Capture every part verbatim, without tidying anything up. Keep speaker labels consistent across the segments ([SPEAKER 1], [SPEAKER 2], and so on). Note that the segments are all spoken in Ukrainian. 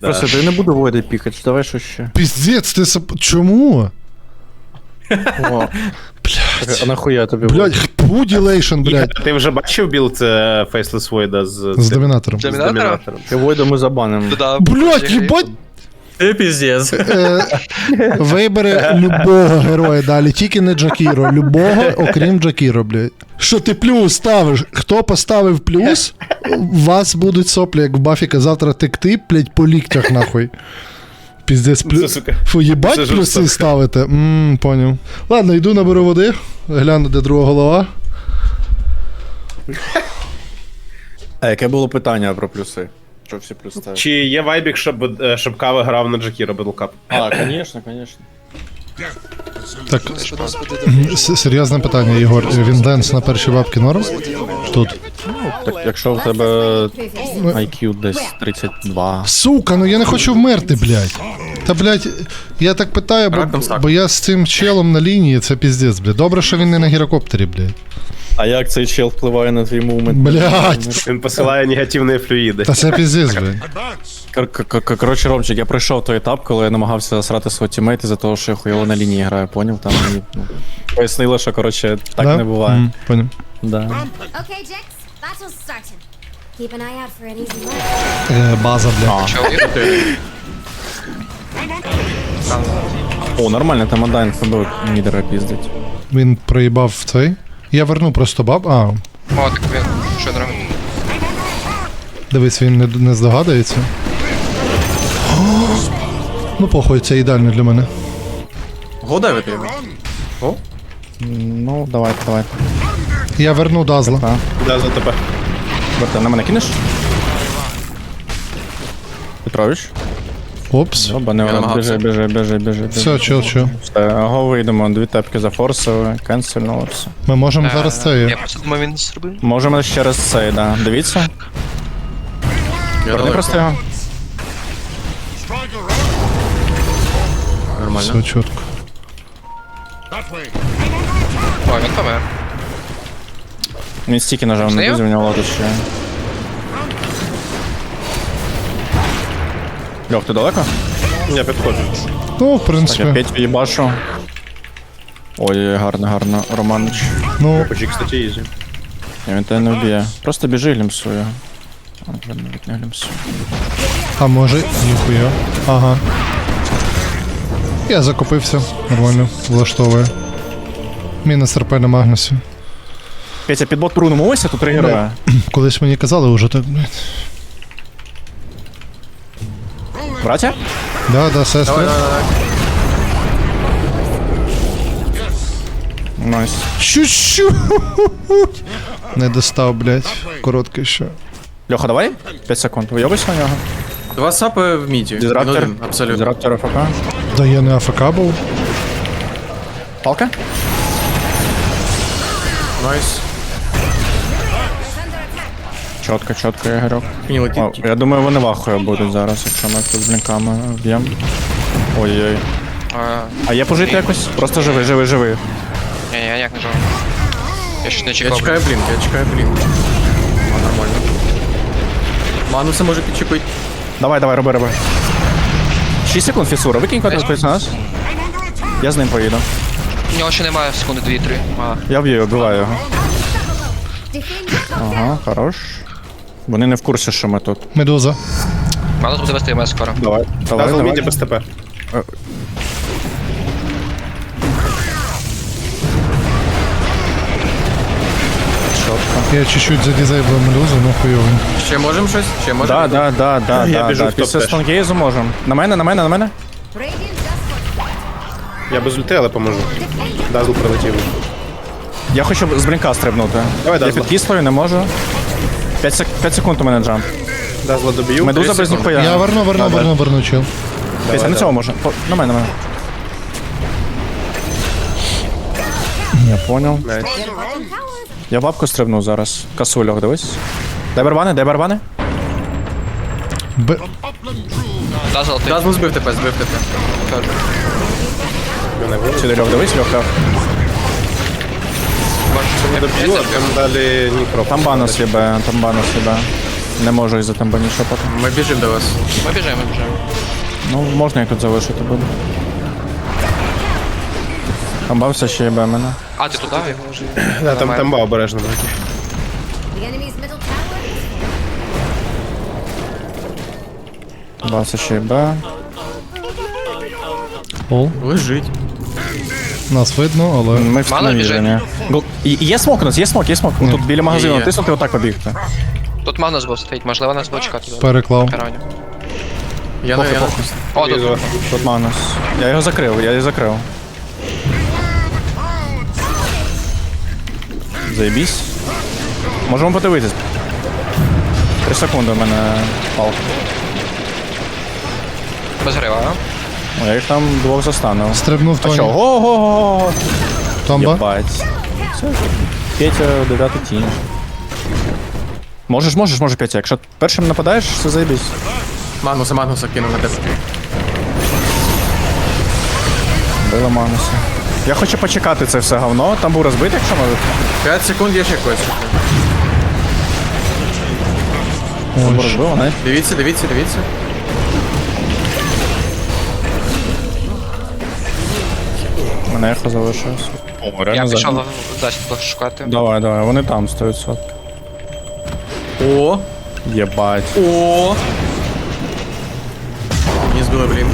[SPEAKER 1] Просто ти не буду води пікати, давай що ще.
[SPEAKER 2] Піздець, ти сап... Чому?
[SPEAKER 1] О,
[SPEAKER 2] Блядь.
[SPEAKER 1] а нахуя тобі води?
[SPEAKER 2] Блядь, пуділейшн, блядь.
[SPEAKER 3] Ти вже бачив білд е, Faceless Void з,
[SPEAKER 2] З домінатором.
[SPEAKER 3] з
[SPEAKER 4] Домінатора?
[SPEAKER 3] домінатором?
[SPEAKER 1] Ти Войда ми забанимо.
[SPEAKER 4] Да,
[SPEAKER 2] Блядь, їбать!
[SPEAKER 5] Ти піздець.
[SPEAKER 2] Е, Вибери любого героя далі, тільки не Джакіро. Любого, окрім Джакіро, блядь. Що ти плюс ставиш? Хто поставив плюс, у вас будуть соплі, як в Бафіка, завтра текти, блядь, по ліктях, нахуй. Піздець,
[SPEAKER 3] Це,
[SPEAKER 2] плюс.
[SPEAKER 3] сука.
[SPEAKER 2] Фу, їбать
[SPEAKER 3] Це
[SPEAKER 2] плюси
[SPEAKER 3] жорстоко.
[SPEAKER 2] ставите. Ммм, поняв. Ладно, йду наберу води, гляну, де друга голова.
[SPEAKER 1] А яке було питання про плюси? Що всі плюси ставили?
[SPEAKER 3] Чи є вайбік, щоб, е, щоб Кава грав на Джакіро Бедлкап?
[SPEAKER 1] А, звісно, звісно.
[SPEAKER 2] Так,
[SPEAKER 4] Що нас буде
[SPEAKER 2] м, с- серйозне питання, Ігор. Він денс на першій бабки норм? Тут.
[SPEAKER 1] Так, якщо в тебе ай к'ю десь тридцять два.
[SPEAKER 2] Сука, ну я не хочу вмерти, блядь. Та, блядь, я так питаю, бо,
[SPEAKER 5] Раком сак.
[SPEAKER 2] бо я з цим челом на лінії, це піздець, блядь. Добре, що він не на гірокоптері, блядь.
[SPEAKER 1] А як цей чел впливає на твій мувмент?
[SPEAKER 2] Блядь.
[SPEAKER 3] Він посилає негативні флюїди.
[SPEAKER 2] Та це піздець, блядь.
[SPEAKER 1] Кор- кор- кор- Коротше, Ромчик, я пройшов той етап, коли я намагався засрати свого тімейта за того, що я хуйово на лінії граю, поняв? Там мені ну, пояснило, що, коротше, так
[SPEAKER 2] Да?
[SPEAKER 1] не буває.
[SPEAKER 2] М, поняв.
[SPEAKER 1] Да.
[SPEAKER 6] Okay, Jax, battle's starting. Keep an eye out for an easy win.
[SPEAKER 2] Е, база, блядь.
[SPEAKER 1] О, нормально, там Адайн ФБ мідера піздить.
[SPEAKER 2] Він проїбав в цей. Я верну просто баб. А,
[SPEAKER 4] О, так він. Що робить?
[SPEAKER 2] дивись, він не, не здогадується. О, ну похуй, це ідеально для мене.
[SPEAKER 5] Годевити його.
[SPEAKER 1] Ну, давайте, давайте.
[SPEAKER 2] Я верну Дазла.
[SPEAKER 1] Так.
[SPEAKER 3] Да, за тебе.
[SPEAKER 1] Берте, на мене кинеш? Петрович?
[SPEAKER 2] Опс.
[SPEAKER 1] Оба, не
[SPEAKER 5] Я
[SPEAKER 1] біжи,
[SPEAKER 5] намагався.
[SPEAKER 1] біжи, біжи, біжи, біжи.
[SPEAKER 2] Все, чил, чил.
[SPEAKER 1] Все, го вийдемо, дві тепки зафорсили, кенсельнули все.
[SPEAKER 2] Ми можемо зараз це.
[SPEAKER 4] Я просто думав, він зробив.
[SPEAKER 1] Можемо ще раз цей, да. Дивіться. Верни просто його.
[SPEAKER 5] Нормально.
[SPEAKER 2] Все чітко.
[SPEAKER 4] О, він помер.
[SPEAKER 1] Він стільки нажав на
[SPEAKER 4] Знаю.
[SPEAKER 1] друзі, у нього лотос ще. Льох, ти далеко?
[SPEAKER 3] Я підходжу.
[SPEAKER 2] Ну, в
[SPEAKER 1] Так, я
[SPEAKER 2] принципі.
[SPEAKER 1] Петю їбашу. Ой, гарно, гарно, Романич.
[SPEAKER 2] Ну,
[SPEAKER 3] Почі, кстати, ізі.
[SPEAKER 1] Ні, він тебе не вб'є. Просто біжи і глімсуй його. А, вже навіть не глімсуй.
[SPEAKER 2] а може, ніхуя. Ага. Я закупився. Нормально, влаштовує. Мінус РП на Магнусі.
[SPEAKER 1] Петя, під бот прунемо, ось тут три героя.
[SPEAKER 2] Колись мені казали уже так, блядь.
[SPEAKER 1] Братя?
[SPEAKER 2] Да, да, сестри.
[SPEAKER 5] Давай, давай, давай.
[SPEAKER 1] Найс.
[SPEAKER 2] Чуть-чуть. Не достав, блядь. Короткий ще.
[SPEAKER 1] Льоха, давай? п'ять секунд. Вийобись на нього.
[SPEAKER 5] Два сапи в міді.
[SPEAKER 1] Дізраптор.
[SPEAKER 5] Він один, абсолютно.
[SPEAKER 1] Дізраптор АФК.
[SPEAKER 2] Да я не АФК був.
[SPEAKER 1] Палка?
[SPEAKER 5] Найс.
[SPEAKER 1] Чотко, чотко, Ігорьок.
[SPEAKER 5] Мені летить.
[SPEAKER 1] О, я думаю, вони вахою будуть зараз, якщо ми тут з блінками вб'ємо. Ой-ой.
[SPEAKER 4] А,
[SPEAKER 1] А є пожити якось? Просто живи, живи, живи.
[SPEAKER 4] ні, ні, я ніяк не живу. Я ще не
[SPEAKER 5] Я
[SPEAKER 4] чекав.
[SPEAKER 5] чекаю блінк, я чекаю блінк. А, нормально. Мануса може підчепити.
[SPEAKER 1] Давай, давай, роби, роби. шість секунд, фісура, викинь код на нас. Я з ним поїду.
[SPEAKER 4] У нього ще немає секунди дві-три. Мало.
[SPEAKER 1] Я б'ю, вбиваю його.
[SPEAKER 6] Defend your top
[SPEAKER 1] Ага, хорош. Вони не в курсі, що ми тут.
[SPEAKER 2] Медуза.
[SPEAKER 4] Мало буде вести МС скоро.
[SPEAKER 1] Давай, давай,
[SPEAKER 3] Дазл міді
[SPEAKER 1] давай.
[SPEAKER 3] без ТП.
[SPEAKER 1] Чотко.
[SPEAKER 2] Я чуть-чуть задізейблив медузу, ну хуйовий.
[SPEAKER 5] Ще можемо щось? Ще можемо?
[SPEAKER 1] Да, да, да, да,
[SPEAKER 3] Я
[SPEAKER 1] да,
[SPEAKER 3] біжу
[SPEAKER 1] да.
[SPEAKER 3] в топ
[SPEAKER 1] Після
[SPEAKER 3] теж.
[SPEAKER 1] Стонгейзу можемо. На мене, на мене, на мене.
[SPEAKER 6] Radiant just for
[SPEAKER 3] Я без ульти, але поможу. Дазл прилетів.
[SPEAKER 1] Я хочу з блінка стрибнути.
[SPEAKER 3] Давай,
[SPEAKER 1] Я
[SPEAKER 3] Дазла.
[SPEAKER 1] під кислою не можу. п'ять сек... п'ять секунд у мене джамп.
[SPEAKER 3] Дазла доб'ю.
[SPEAKER 1] Медуза
[SPEAKER 5] тридцять
[SPEAKER 1] без
[SPEAKER 5] секунд.
[SPEAKER 1] ніхуя.
[SPEAKER 2] Я верну, верну,
[SPEAKER 1] Да,
[SPEAKER 2] верну, верну, чил.
[SPEAKER 1] Петя, на
[SPEAKER 3] давай.
[SPEAKER 1] цього можна. По- На мене, на мене. Я понял.
[SPEAKER 3] Найс.
[SPEAKER 1] Я бабку стрибну зараз. Касульох, дивись. Дай барбани, дай барбани.
[SPEAKER 2] Б...
[SPEAKER 4] Дазл, ти.
[SPEAKER 5] Дазл збив тебе, збив тебе.
[SPEAKER 4] Кажу.
[SPEAKER 3] Мене вилучить.
[SPEAKER 1] Сюди Льох, дивись, Льох, Льох.
[SPEAKER 4] Можеш
[SPEAKER 3] Доб'ю, а там далі Нікро.
[SPEAKER 1] Там банус єбе, там банус єбе. Не можу із-за тамбані шопати.
[SPEAKER 5] Ми біжимо до вас.
[SPEAKER 4] Ми біжимо, ми біжимо.
[SPEAKER 1] Ну, можна я тут залишити буду. Камбався ще єбе мене.
[SPEAKER 4] А, ти туди його вже?
[SPEAKER 3] Да, там тамба обережно, браті.
[SPEAKER 6] The enemy's middle tower is
[SPEAKER 1] Камбався ще єбе.
[SPEAKER 2] Пол.
[SPEAKER 5] Лежить.
[SPEAKER 2] Нас видно, але.
[SPEAKER 1] Ми в
[SPEAKER 4] Мало
[SPEAKER 1] навіжені. Є смок у нас, є смок, є смок. Тут біля магазину
[SPEAKER 5] Є.
[SPEAKER 1] натиснути отак побігти.
[SPEAKER 4] Тут Магнус був стоїть, можливо, нас буде чекати.
[SPEAKER 2] Переклав.
[SPEAKER 4] Карані.
[SPEAKER 5] Я на я на-
[SPEAKER 4] О, тут.
[SPEAKER 3] Візу.
[SPEAKER 1] Тут Манус. Я його закрив, я його закрив. Заєбісь. Можемо подивитись. Три секунди у мене палка.
[SPEAKER 4] Без грива, а?
[SPEAKER 1] О, я їх там двох застанув.
[SPEAKER 2] Стрибнув
[SPEAKER 1] А що?
[SPEAKER 2] Тоні.
[SPEAKER 1] Го-го-го!
[SPEAKER 2] Томба.
[SPEAKER 1] Єбать. Все. Петя, дев'ятий тінь. Можеш, можеш, можеш, Петя. Якщо першим нападаєш, все заєбісь.
[SPEAKER 5] Магнуса, Магнуса кинув на тебе.
[SPEAKER 1] Била Мануса. Я хочу почекати це все говно. Там був розбитий, якщо може.
[SPEAKER 5] п'ять секунд, я ще когось.
[SPEAKER 1] Там був
[SPEAKER 2] Ой,
[SPEAKER 1] розбив, не?
[SPEAKER 5] Дивіться, дивіться, дивіться.
[SPEAKER 1] Мене ехо залишилось. О,
[SPEAKER 4] Я
[SPEAKER 1] реально
[SPEAKER 4] пішов
[SPEAKER 1] за...
[SPEAKER 4] засідку шукати.
[SPEAKER 1] Давай, давай, вони там сто відсотків.
[SPEAKER 5] О,
[SPEAKER 1] Єбать.
[SPEAKER 5] о. Не збили, блін.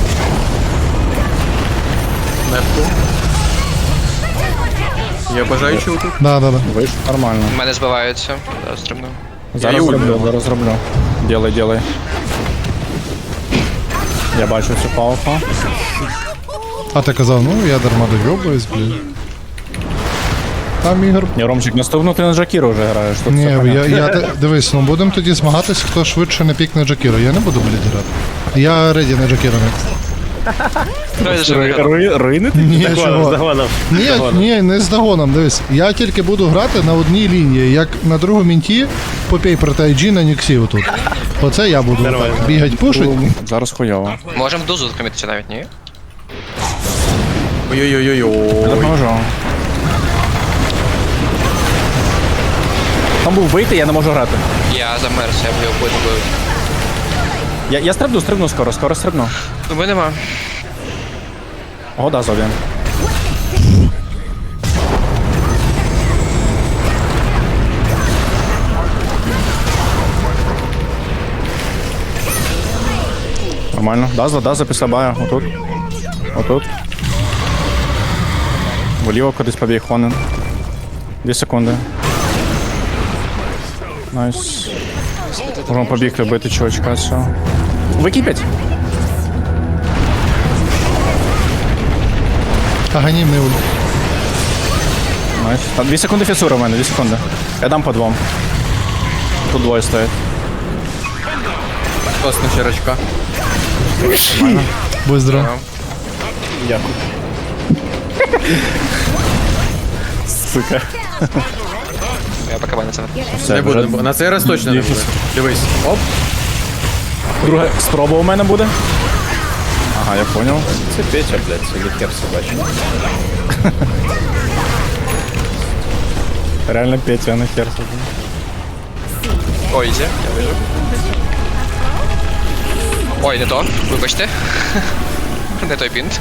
[SPEAKER 5] Непку. Я бажаючий тут.
[SPEAKER 2] Да, да, да.
[SPEAKER 1] Вийшло нормально.
[SPEAKER 4] Мене збиваються. Я стрибнув.
[SPEAKER 1] Зараз
[SPEAKER 5] її
[SPEAKER 1] зроблю,
[SPEAKER 5] убив.
[SPEAKER 1] зараз зроблю. Ділай, ділай. Я бачу цю палку.
[SPEAKER 2] А ти казав, ну я дарма довйобуюсь, блін. Там ігор.
[SPEAKER 1] Ні, Ромчик, наступну ти на Джакіру вже граєш. Тут
[SPEAKER 2] Ні,
[SPEAKER 1] все
[SPEAKER 2] я,
[SPEAKER 1] понятно.
[SPEAKER 2] я, те- дивись, ну будемо тоді змагатись, хто швидше не пікне Джакіро. Я не буду, блядь, грати. Я реді на Джакіро next.
[SPEAKER 4] Давай вже
[SPEAKER 1] Ри-
[SPEAKER 4] виграв.
[SPEAKER 1] ри- Ринити?
[SPEAKER 2] Ні,
[SPEAKER 3] Загонов,
[SPEAKER 2] чого?
[SPEAKER 3] загонов.
[SPEAKER 2] Ні, ні, не з догоном, дивись. Я тільки буду грати на одній лінії, як на другому мінті попей проти ай джі на Ніксі отут. Оце я буду отак бігать, пушить.
[SPEAKER 1] Зараз хуйово.
[SPEAKER 4] Можемо дузу закомітися навіть, ні?
[SPEAKER 5] Ой-ой-ой-ой.
[SPEAKER 1] Допоможу. Там був бити, я не можу грати.
[SPEAKER 4] Я замерз, я б його потім бив.
[SPEAKER 1] Я, я стрибну, стрибну скоро, скоро стрибну.
[SPEAKER 4] Думаю, нема.
[SPEAKER 1] О, да, зов'я. Нормально. Дазла, дазла після бая. Отут. Отут. Вліво кудись побіг Хонен. Дві секунди. Найс. Можемо побігти бити чувачка цього. Википять.
[SPEAKER 2] Аганімний ульт.
[SPEAKER 1] Найс. Та дві секунди фісура в мене, дві секунди. Я дам по двом. Тут двоє стоять.
[SPEAKER 5] Класна щирочка.
[SPEAKER 2] Будь здоров.
[SPEAKER 1] Дякую. Сука.
[SPEAKER 4] Я поки мене це.
[SPEAKER 1] Все,
[SPEAKER 5] Не
[SPEAKER 1] вже
[SPEAKER 5] буде. На цей раз точно не буде. Дивись. Оп.
[SPEAKER 1] друга спроба у мене буде. Ага, я понял.
[SPEAKER 3] Це Петя, блядь, це лікер собачий.
[SPEAKER 1] Реально Петя, а не хер. собі.
[SPEAKER 4] Ой, іде, я вижу. Ой, не то, вибачте. Не той пінт.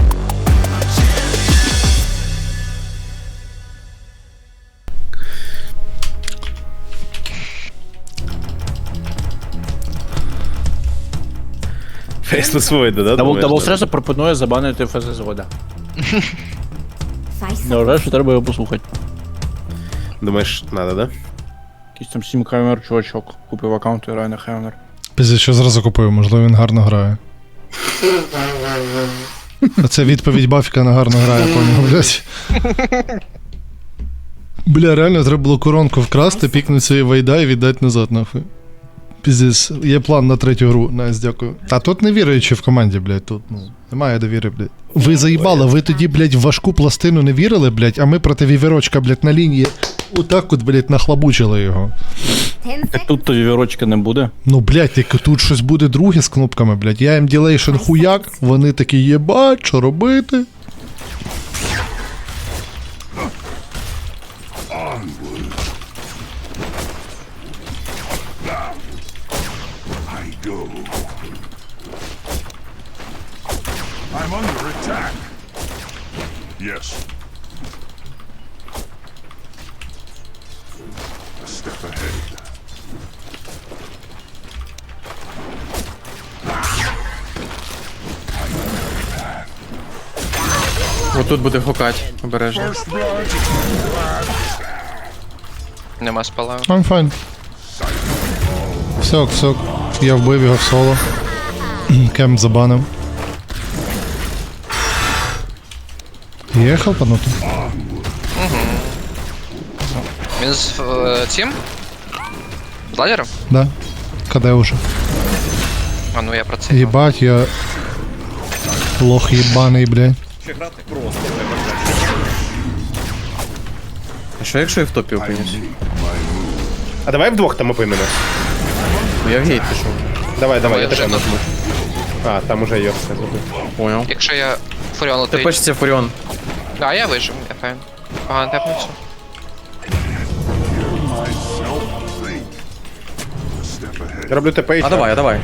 [SPEAKER 3] Фейслес Войда, да?
[SPEAKER 1] Дабл,
[SPEAKER 3] думаєш,
[SPEAKER 1] дабл
[SPEAKER 3] да?
[SPEAKER 1] стресу пропонує забанити ФС згода.
[SPEAKER 6] Five
[SPEAKER 1] Не вважаю, що треба його послухати.
[SPEAKER 3] Думаєш, надо, да?
[SPEAKER 1] Якийсь там сім камер чувачок купив аккаунт і грає на Хевнер.
[SPEAKER 2] Пізде, що зразу купив, можливо, він гарно грає. А це відповідь Бафіка на гарно грає, поняв, блядь. Бля, реально треба було коронку вкрасти, пікнути свої вайда і віддати назад, нахуй. Піздець, є план на третю гру, найс, дякую. Та тут не віруючи в команді, блядь, тут, ну, немає довіри, блядь. Ви заїбали, ви тоді, блядь, в важку пластину не вірили, блядь, а ми проти вівірочка, блядь, на лінії отак от, блядь, нахлабучили його.
[SPEAKER 6] ten seconds.
[SPEAKER 1] Тут тоді вірочки не буде.
[SPEAKER 2] Ну, блядь, як тут щось буде друге з кнопками, блядь. Я їм ділейшн хуяк, вони такі єбать, що робити?
[SPEAKER 7] Yes. A step ahead.
[SPEAKER 5] Отут буде гукать, обережно.
[SPEAKER 4] Нема спала.
[SPEAKER 2] I'm fine. Все, ок, все. ок. Я вбив його в соло. Кемп забанив. Є хелпанути?
[SPEAKER 4] Він з е, цим? З ладером?
[SPEAKER 2] Да. КД уже.
[SPEAKER 4] А ну я про це.
[SPEAKER 2] Єбать, я... Лох єбаний, блядь.
[SPEAKER 5] А що якщо я в топі опинюсь?
[SPEAKER 3] А давай вдвох там опинемо.
[SPEAKER 5] Ну я в гейт пішов.
[SPEAKER 3] Давай, давай,
[SPEAKER 4] я
[SPEAKER 3] я тебе
[SPEAKER 4] вже
[SPEAKER 3] нажму. А, там уже Йорк не зробив.
[SPEAKER 5] Понял.
[SPEAKER 4] Якщо я Фуріон летить.
[SPEAKER 5] Тепешся Фуріон.
[SPEAKER 4] А, я вижив, я файн. Погано тепнувся.
[SPEAKER 7] Myself think. A step ahead.
[SPEAKER 3] Я роблю ТП і
[SPEAKER 5] А давай, а давай.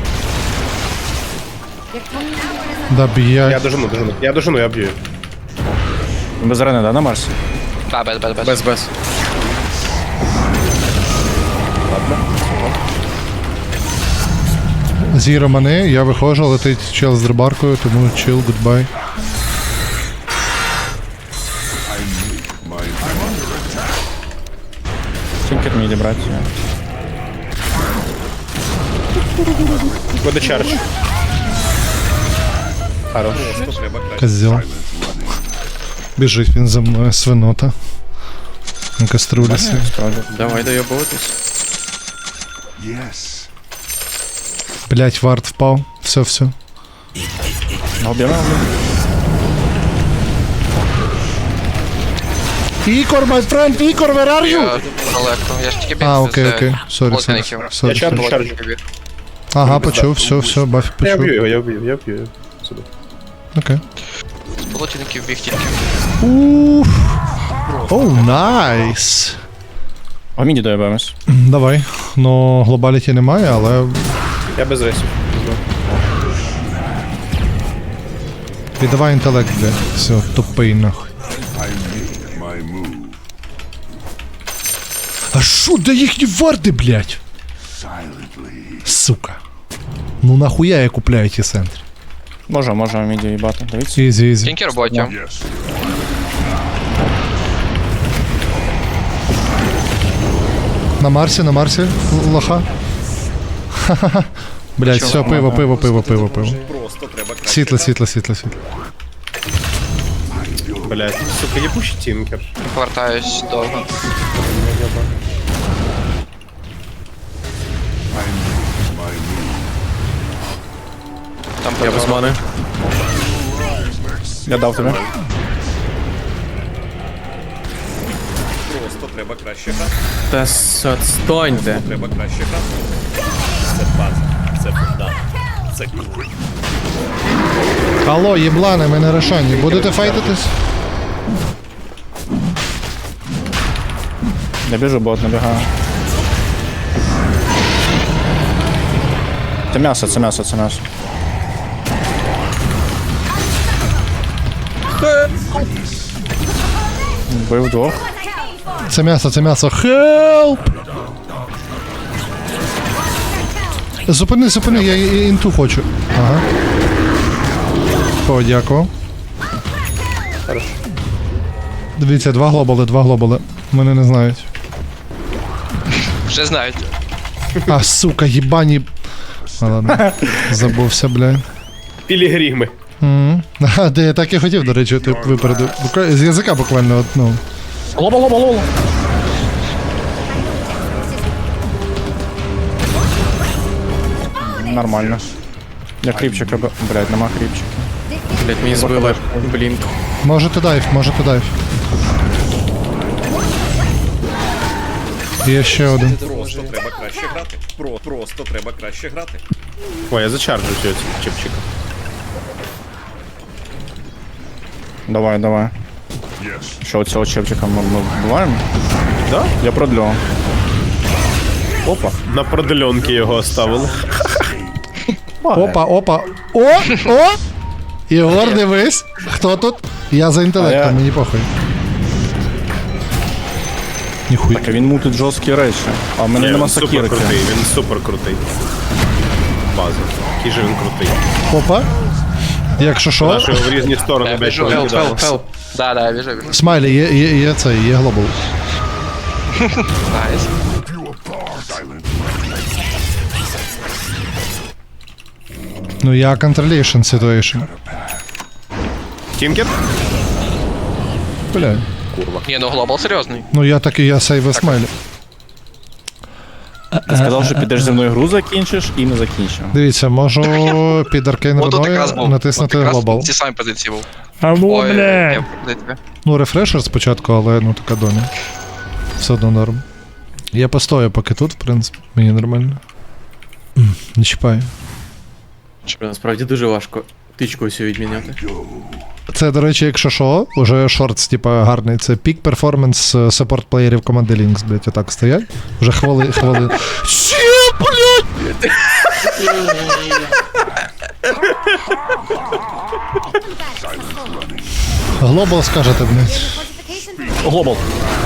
[SPEAKER 2] Да,
[SPEAKER 3] Я
[SPEAKER 2] б'ять.
[SPEAKER 3] дожену, дожену. Я дожену, я б'ю.
[SPEAKER 1] Без рени, да, на Марсі?
[SPEAKER 4] Да, без, без, без.
[SPEAKER 5] Без, без.
[SPEAKER 2] Зіро мене, я виходжу, летить чел з дрибаркою, тому чил, гудбай.
[SPEAKER 7] My
[SPEAKER 1] Тільки мені брати.
[SPEAKER 3] Буде чардж. Хорош.
[SPEAKER 2] Козел. Біжить він за мною, свинота. На каструлі свій.
[SPEAKER 5] Давай доєбуватись.
[SPEAKER 7] yes.
[SPEAKER 2] Блять, вард впав. Все, все.
[SPEAKER 1] Об'ємно.
[SPEAKER 2] Ігор, my friend, Ігор, where are
[SPEAKER 4] Я
[SPEAKER 2] you?
[SPEAKER 4] далеко. Я ж тільки біг.
[SPEAKER 2] А,
[SPEAKER 4] з,
[SPEAKER 2] окей,
[SPEAKER 4] е,
[SPEAKER 2] окей. Сорі, сорі.
[SPEAKER 4] полтинників.
[SPEAKER 2] Сорі,
[SPEAKER 3] Я чардж,
[SPEAKER 2] сорі.
[SPEAKER 3] чардж.
[SPEAKER 2] Ага, почув, все, все, баф
[SPEAKER 3] Я
[SPEAKER 2] почув.
[SPEAKER 3] б'ю його, я б'ю, я б'ю. Сюди.
[SPEAKER 2] Окей.
[SPEAKER 4] З полтинників біг тільки.
[SPEAKER 2] Уф. Оу, найс.
[SPEAKER 1] А мені доєбемось.
[SPEAKER 2] Давай. Ну, глобаліті немає, але
[SPEAKER 3] Я без рейсів.
[SPEAKER 2] віддавай інтелект, бля. Все, тупий нахуй.
[SPEAKER 7] I make my move.
[SPEAKER 2] А шо, де їхні варди, блядь?
[SPEAKER 7] Silently.
[SPEAKER 2] Сука. Ну нахуя я купляю ті центри?
[SPEAKER 1] Може, може міді їбати. Дивіться.
[SPEAKER 2] Ізі, ізі.
[SPEAKER 4] Тільки роботі.
[SPEAKER 7] Yes.
[SPEAKER 2] На Марсі, на Марсі, л- лоха. Ха-ха-ха. Блять, все, пиво, пиво, пиво, пиво, пиво. Світло, світло, світло, світло.
[SPEAKER 3] Блять, сука, єбучий тінкер.
[SPEAKER 4] Повертаюсь довго. Там
[SPEAKER 5] Я без мани.
[SPEAKER 1] Я дав тобі.
[SPEAKER 5] Та с- отстаньте.
[SPEAKER 2] Алло, єблани, ми на Рошані. Будете файтитись?
[SPEAKER 1] Я біжу, бот набігаю. Це м'ясо, це м'ясо, це м'ясо. Вбив двох.
[SPEAKER 2] Це м'ясо, це м'ясо. Хелп! Зупини, зупини, я і- і- інту хочу. Ага. О, дякую. Дивіться, два глобали, два глобали. Мене не знають.
[SPEAKER 4] вже знають.
[SPEAKER 2] А, сука, їбані. А, ладно. Забувся, бля.
[SPEAKER 3] Пілігрими.
[SPEAKER 2] Мгм. А, де я так і хотів, до речі, ти випередив. Буква- З язика буквально, от, ну.
[SPEAKER 1] Лоба, лоба, лоба. Нормально. Я кріпчика, б- блядь, нема кріпчика.
[SPEAKER 5] Блять, мені збили блінк.
[SPEAKER 2] Можете дайв, можете дайв. Є ще один.
[SPEAKER 8] Просто треба краще грати. Про, просто треба краще грати.
[SPEAKER 3] Ой, я зачарджу цього чіпчика.
[SPEAKER 1] Давай, давай.
[SPEAKER 7] Yes.
[SPEAKER 1] Що цього чепчика ми, ми вбиваємо?
[SPEAKER 3] Да?
[SPEAKER 1] Я продлю.
[SPEAKER 3] Опа. На продленки його оставили.
[SPEAKER 2] Опа, опа. О! О! Ігор, дивись, хто тут? Я за
[SPEAKER 1] А
[SPEAKER 2] інтелектом,
[SPEAKER 1] я-
[SPEAKER 2] мені похуй. Ніхуй.
[SPEAKER 1] Так, а він мутить жорсткі речі. А в мене
[SPEAKER 3] Ні,
[SPEAKER 1] нема
[SPEAKER 3] він супер
[SPEAKER 1] сокирки.
[SPEAKER 3] крутий, він супер крутий. База. Який же він крутий.
[SPEAKER 2] Опа. Якщо що,
[SPEAKER 3] Наші в різні сторони,
[SPEAKER 4] Я
[SPEAKER 3] блядь,
[SPEAKER 4] біжу, хелп,
[SPEAKER 3] повикидали.
[SPEAKER 4] хелп, хелп. Да, да, я біжу, біжу.
[SPEAKER 2] смайлі, є, є, є цей, є глобал.
[SPEAKER 4] Найс.
[SPEAKER 2] Ну я controlation situation.
[SPEAKER 3] Тімкет?
[SPEAKER 2] Бля.
[SPEAKER 4] Ні, ну глобал серйозний.
[SPEAKER 2] Ну я так і я сейве смайлі.
[SPEAKER 1] Ти сказав, що підеш зі мною гру закінчиш і не закінчив.
[SPEAKER 2] Дивіться, можу під аркейн
[SPEAKER 4] От тут якраз
[SPEAKER 2] руною
[SPEAKER 4] був.
[SPEAKER 2] натиснути
[SPEAKER 4] От якраз
[SPEAKER 2] глобал.
[SPEAKER 4] в цій самій позиції був.
[SPEAKER 2] Алло,
[SPEAKER 4] Ой, я куди тебе?
[SPEAKER 2] Ну, рефрешер спочатку, але ну така доня. Все одно норм. Я постою поки тут, в принципі, мені нормально. М, Не чіпаю.
[SPEAKER 5] Насправді дуже важко тичку всю відміняти.
[SPEAKER 2] Це, до речі, якщо що, уже шортс, типа, гарний. Це пік перформанс саппорт плеєрів команди Lynx, блять, отак стоять. Вже хвили, хвили. Ще, блять! Глобал скажете, блять.
[SPEAKER 6] Fortification
[SPEAKER 1] Глобал.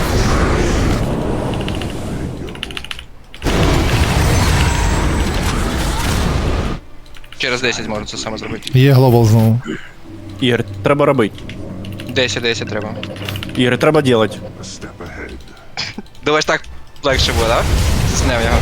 [SPEAKER 4] Через десять можна це саме зробити.
[SPEAKER 2] Є глобал знову.
[SPEAKER 1] Ігор, треба робити.
[SPEAKER 4] десять, десять треба.
[SPEAKER 1] Ігор, треба робити.
[SPEAKER 4] Думаєш, так легше буде, да? Снев його.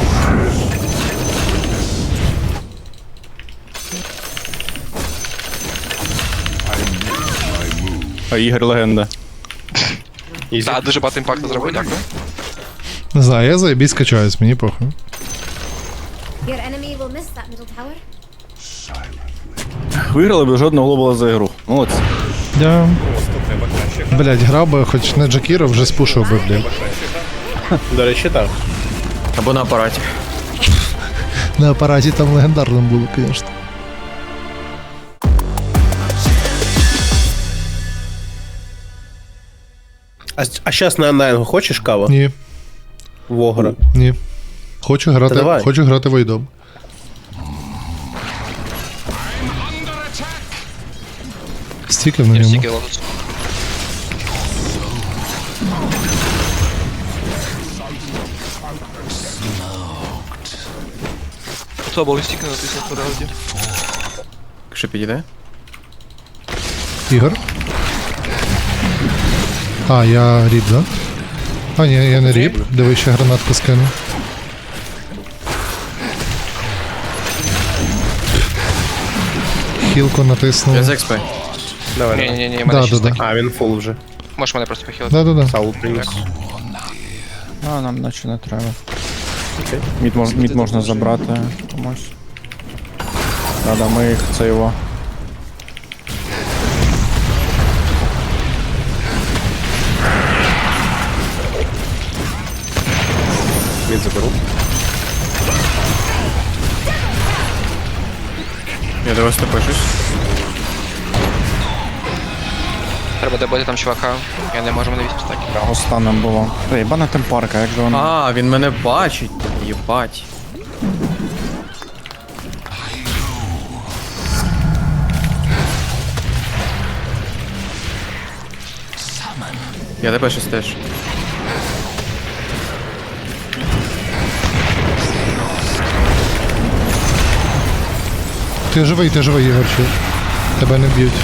[SPEAKER 1] А Ігор легенда.
[SPEAKER 3] Ізі.
[SPEAKER 4] Так, дуже багато імпакту зробив, дякую.
[SPEAKER 2] Не знаю, я заєбісь качаюсь, мені похуй.
[SPEAKER 6] Your enemy will miss that middle tower.
[SPEAKER 1] Виграли б жодного глобала за ігру. Молодці.
[SPEAKER 2] Я... Блять, грав би, хоч не Джакіро, вже спушив би, блять.
[SPEAKER 3] До речі, так.
[SPEAKER 5] Або на апараті.
[SPEAKER 2] На апараті там легендарно було, звісно.
[SPEAKER 3] А, а щас на Найнгу хочеш каву?
[SPEAKER 2] Ні,
[SPEAKER 3] Вогра.
[SPEAKER 2] ні. Хочу грати,
[SPEAKER 3] Та давай.
[SPEAKER 2] хочу грати войдом. Стільки на
[SPEAKER 4] Я
[SPEAKER 2] ньому.
[SPEAKER 4] стільки лотос. Хто був стільки натиснув по раунді?
[SPEAKER 5] Якщо підійде.
[SPEAKER 2] Ігор? А, я ріб, да? А, ні, я не ріб. Диви, ще гранатку скину. Хілку натиснув.
[SPEAKER 5] Я з експи.
[SPEAKER 3] Давай,
[SPEAKER 4] Ні,
[SPEAKER 3] давай.
[SPEAKER 4] ні, ні,
[SPEAKER 2] Да,
[SPEAKER 4] мене
[SPEAKER 2] да,
[SPEAKER 4] ще
[SPEAKER 2] да.
[SPEAKER 4] стаки.
[SPEAKER 3] А, він фул вже.
[SPEAKER 4] Можеш мене просто похилити.
[SPEAKER 2] Да-да-да.
[SPEAKER 3] Саул приніс.
[SPEAKER 1] А, нам наче не треба. Мід, мож, мід можна забрати комусь. Да-да, ми їх, це його.
[SPEAKER 3] Він заберу.
[SPEAKER 5] Я до вас топишусь.
[SPEAKER 4] Треба добити там чувака. Я не можу, мене вісім стаків.
[SPEAKER 1] Його станом було. Ей, бана темпарка, як же воно.
[SPEAKER 5] А, він мене бачить. Єбать. Я тебе щось теж.
[SPEAKER 2] Ти живий, ти живий, Ігорчу. Тебе не б'ють.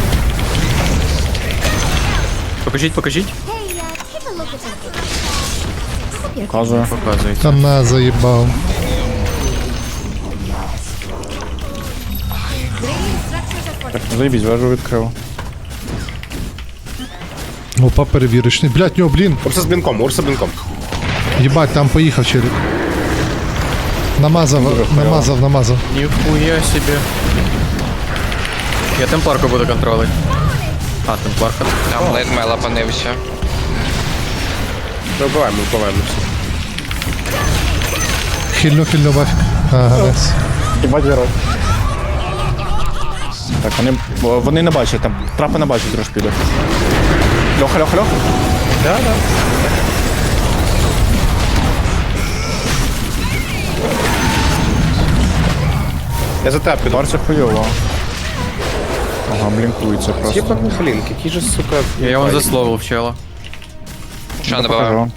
[SPEAKER 5] Покажіть, покажіть.
[SPEAKER 6] Hey, uh, take a look at this.
[SPEAKER 1] Показує.
[SPEAKER 5] Показується.
[SPEAKER 2] Та на, заїбав.
[SPEAKER 1] Так, заїбіть, вежу відкрив.
[SPEAKER 2] Опа, перевірочний. Блять, нього, блін.
[SPEAKER 3] Урса з блінком, Урса з блінком.
[SPEAKER 2] Єбать, там поїхав челік. Намазав, намазав, намазав.
[SPEAKER 5] Ніхуя собі. Я темпларку буду контролити. А, темпларка.
[SPEAKER 4] Там лейтмейл опанився.
[SPEAKER 3] Ми вбиваємо, ми вбиваємо.
[SPEAKER 2] Хильну, хильну бафік. Ага, найс.
[SPEAKER 1] Їбать герой. Так, вони, о, вони не бачать, там трапи не бачать трошки піде. Льоха, льоха, льоха.
[SPEAKER 3] Да, да. Я за тебе піду.
[SPEAKER 1] Барці хуйово. Ага, блінкується просто.
[SPEAKER 3] Єба, блін, який же, сука...
[SPEAKER 5] Я його засловив чела.
[SPEAKER 4] Що не буває?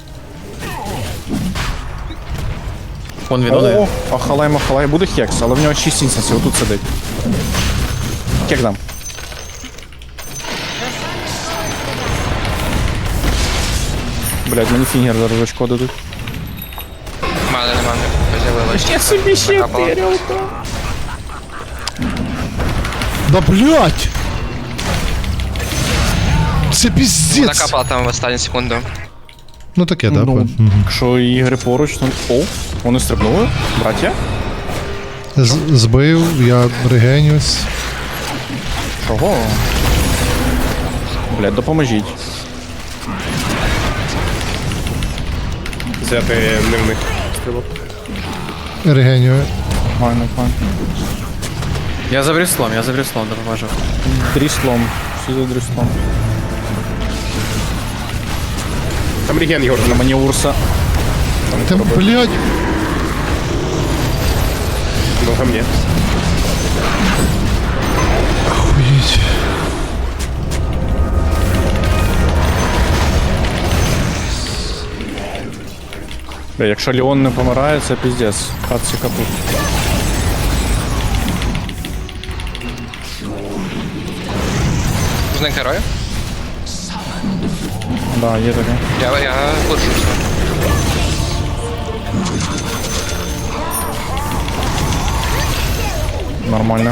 [SPEAKER 5] Вон він
[SPEAKER 1] О,
[SPEAKER 5] один.
[SPEAKER 1] ахалай, махалай, буде хекс, але в нього шість інстансів, отут сидить. Хек дам. Блять, мені фінгер зараз очко дадуть.
[SPEAKER 4] Мали нема, не з'явилось. Я собі ще
[SPEAKER 2] Да блять! Це піздець!
[SPEAKER 4] Накапала там в останню секунду.
[SPEAKER 2] Ну таке, да?
[SPEAKER 1] Ну,
[SPEAKER 2] Мгм.
[SPEAKER 1] якщо ігри поруч, то... О, вони стрибнули, браття.
[SPEAKER 2] З- Збив, я регенюсь.
[SPEAKER 1] Чого? Блять, допоможіть.
[SPEAKER 3] Взяти не в них стрілок.
[SPEAKER 2] Регенюю.
[SPEAKER 1] Файно, файно.
[SPEAKER 5] Я за бріслом, я за бріслом допоможу.
[SPEAKER 1] Дріслом. Всі за дріслом.
[SPEAKER 3] Там реген, Єгор.
[SPEAKER 1] На мені Урса.
[SPEAKER 2] Та блять!
[SPEAKER 3] Ну, ко мне.
[SPEAKER 2] Охуєть.
[SPEAKER 1] Бля, якщо Леон не помирає, це піздець. Хатці капут.
[SPEAKER 4] Зник герою?
[SPEAKER 1] Да, є таке.
[SPEAKER 4] Я, я лучуся.
[SPEAKER 1] Нормально.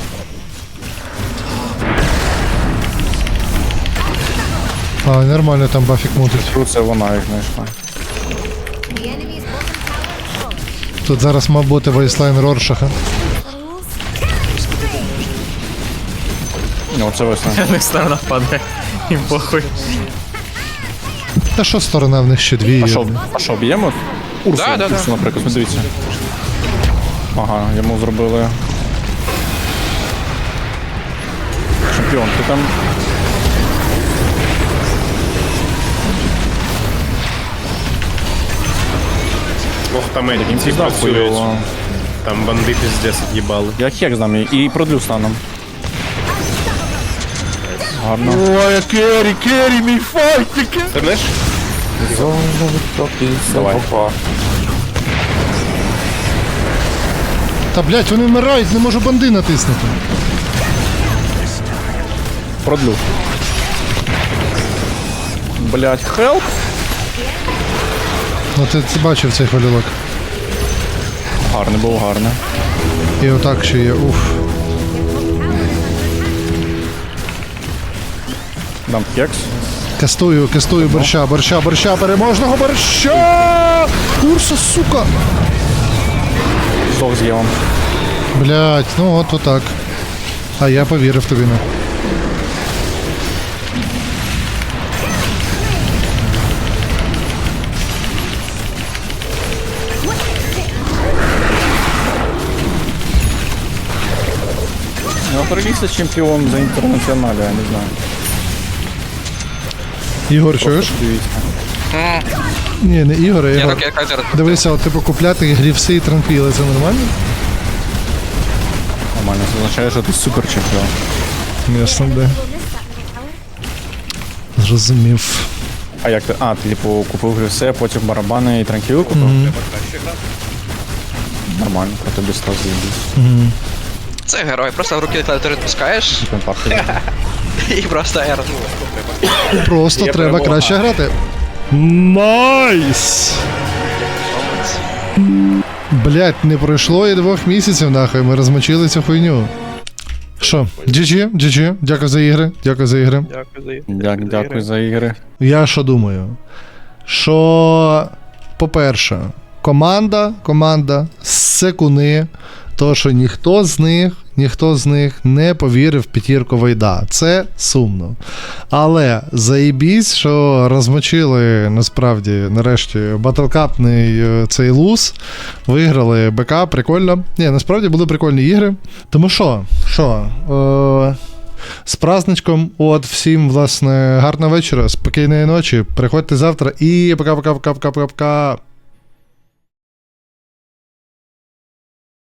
[SPEAKER 2] А, нормально там бафік мутить.
[SPEAKER 1] Тру це вона їх знайшла.
[SPEAKER 6] The enemy's bottom tower is full.
[SPEAKER 2] Тут зараз мав бути вейслайн Роршаха.
[SPEAKER 6] Fools.
[SPEAKER 1] Ну, це весна.
[SPEAKER 5] Не сторона падає. Їм похуй.
[SPEAKER 2] Та що сторона в них ще дві?
[SPEAKER 1] А що, а що, б'ємо? Урсу,
[SPEAKER 4] Да, да, да.
[SPEAKER 1] Урсу, наприклад, ну, дивіться. Ага, йому зробили. Чемпіон, ти там.
[SPEAKER 3] Ох, там эти
[SPEAKER 1] Їм
[SPEAKER 3] ці
[SPEAKER 1] пізда
[SPEAKER 3] працюють.
[SPEAKER 1] хуйово.
[SPEAKER 3] Там банди пиздец їбали.
[SPEAKER 1] Я хек знам і продлю станом. Гарно.
[SPEAKER 2] Ой, Керрі, Керрі, мій файтики!
[SPEAKER 3] Ти знаєш?
[SPEAKER 1] Давай.
[SPEAKER 2] Та блять, вони вмирають, не можу банди натиснути.
[SPEAKER 1] Продлю. Блять, хелп.
[SPEAKER 2] Ну ти, ти бачив цей хвилювак.
[SPEAKER 1] Гарний був, гарний.
[SPEAKER 2] І отак ще є. Уф.
[SPEAKER 1] Дам хекс.
[SPEAKER 2] Кастую, кастую борща, борща, борща, переможного борща! Урса, сука!
[SPEAKER 1] Здох з Євом.
[SPEAKER 2] Блять, ну от отак. А я повірив тобі на.
[SPEAKER 1] Ну, пролізся чемпіон за інтернаціоналі, я не знаю.
[SPEAKER 2] Ігор, чуєш?
[SPEAKER 1] Дивіться.
[SPEAKER 2] Ні, не Ігор, а
[SPEAKER 4] Я
[SPEAKER 2] Ігор.
[SPEAKER 4] так, я так зараз.
[SPEAKER 2] Дивися, от типу купляти грівси і транквіли, це нормально?
[SPEAKER 1] Нормально, це означає, що ти супер чемпіон.
[SPEAKER 2] Ясно, де.
[SPEAKER 6] We'll miss that middle tower.
[SPEAKER 2] Зрозумів.
[SPEAKER 1] А як ти? А, ти типу купив грюсе, потім барабани і транкіли купив? Нормально, про тобі став заїбісь.
[SPEAKER 4] Це герой, просто в руки клавіатури відпускаєш
[SPEAKER 1] Компактно.
[SPEAKER 4] і просто R.
[SPEAKER 2] Просто треба
[SPEAKER 3] перемога.
[SPEAKER 2] краще грати. Найс! Блять, не пройшло і двох місяців, нахуй, ми розмочили цю хуйню. Що, джі джі, джі джі, дякую за ігри, дякую за ігри.
[SPEAKER 1] Дя- Дякую за ігри.
[SPEAKER 2] Я що думаю? Що, по-перше, команда, команда, секуни, то, що ніхто з них, ніхто з них не повірив в п'ятірку Вайда. Це сумно. Але заєбісь, що розмочили насправді нарешті батлкапний е, цей луз, виграли БК, прикольно. Ні, насправді були прикольні ігри. Тому що, що, е, з праздничком, от всім, власне, гарного вечора, спокійної ночі. Приходьте завтра і пока-пока-пока-пока-пока.